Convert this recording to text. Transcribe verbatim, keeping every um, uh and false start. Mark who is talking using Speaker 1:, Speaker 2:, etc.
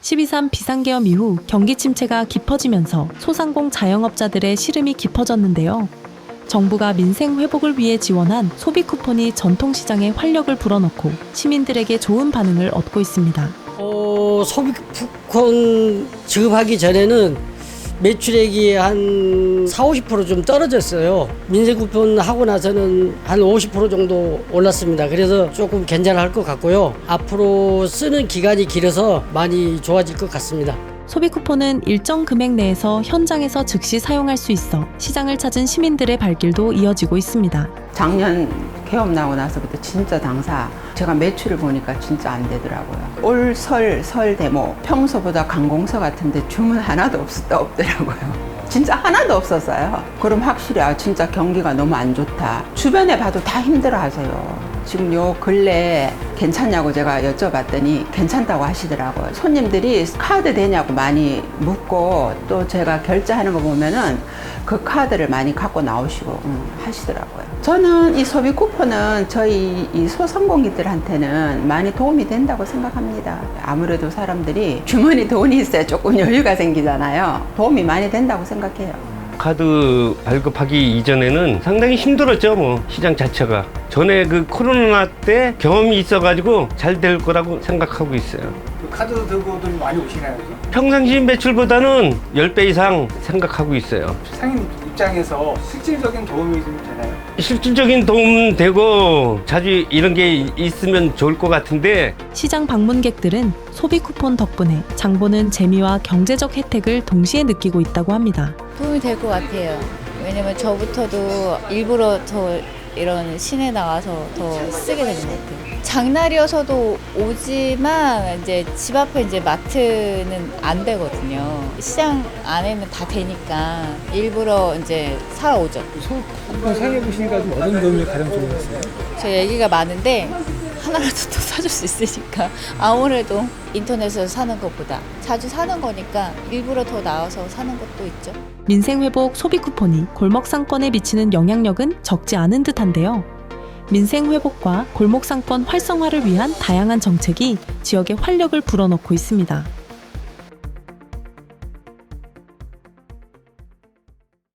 Speaker 1: 십이 삼 비상계엄 이후 경기 침체가 깊어지면서 소상공 자영업자들의 시름이 깊어졌는데요. 정부가 민생 회복을 위해 지원한 소비 쿠폰이 전통시장에 활력을 불어넣고 시민들에게 좋은 반응을 얻고 있습니다.
Speaker 2: 어, 소비 쿠폰 지급하기 전에는 매출액이 한 사, 오십 퍼센트 좀 떨어졌어요. 민생 쿠폰 하고 나서는 한 오십 퍼센트 정도 올랐습니다. 그래서 조금 괜찮을 것 같고요. 앞으로 쓰는 기간이 길어서 많이 좋아질 것 같습니다.
Speaker 1: 소비 쿠폰은 일정 금액 내에서 현장에서 즉시 사용할 수 있어 시장을 찾은 시민들의 발길도 이어지고 있습니다.
Speaker 3: 작년 개업 나고 나서부터 진짜 당사 제가 매출을 보니까 진짜 안 되더라고요. 올 설, 설 대모 평소보다 관공서 같은데 주문 하나도 없, 없더라고요. 진짜 하나도 없었어요. 그럼 확실히 아 진짜 경기가 너무 안 좋다. 주변에 봐도 다 힘들어 하세요. 지금 요 근래 괜찮냐고 제가 여쭤봤더니 괜찮다고 하시더라고요. 손님들이 카드 되냐고 많이 묻고 또 제가 결제하는 거 보면은 그 카드를 많이 갖고 나오시고 음, 하시더라고요. 저는 이 소비 쿠폰은 저희 이 소상공인들한테는 많이 도움이 된다고 생각합니다. 아무래도 사람들이 주머니 돈이 있어야 조금 여유가 생기잖아요. 도움이 많이 된다고 생각해요.
Speaker 4: 카드 발급하기 이전에는 상당히 힘들었죠, 뭐 시장 자체가. 전에 그 코로나 때 경험이 있어가지고 잘 될 거라고 생각하고 있어요.
Speaker 5: 카드 들고들 많이 오시나요? 그죠?
Speaker 4: 평상시 매출보다는 십 배 이상 생각하고 있어요.
Speaker 5: 상인 입장에서 실질적인 도움이 좀 되나요?
Speaker 4: 실질적인 도움 되고 자주 이런 게 있으면 좋을 것 같은데
Speaker 1: 시장 방문객들은 소비 쿠폰 덕분에 장보는 재미와 경제적 혜택을 동시에 느끼고 있다고 합니다.
Speaker 6: 도움이 될 것 같아요. 왜냐면 저부터도 일부러 더 이런 시내 나가서 더 쓰게 되는 것 같아요. 장날이어서도 오지만 이제 집 앞에 이제 마트는 안 되거든요. 시장 안에는 다 되니까 일부러 이제 사러 오죠.
Speaker 5: 소쿠폰 사용해 보시니까 좀 어떤 도움이 가장 좋으셨어요?
Speaker 6: 저 얘기가 많은데 하나라도 더 사줄 수 있으니까 아무래도 인터넷에서 사는 것보다 자주 사는 거니까 일부러 더 나와서 사는 것도 있죠.
Speaker 1: 민생회복 소비 쿠폰이 골목 상권에 미치는 영향력은 적지 않은 듯한데요. 민생회복과 골목 상권 활성화를 위한 다양한 정책이 지역에 활력을 불어넣고 있습니다.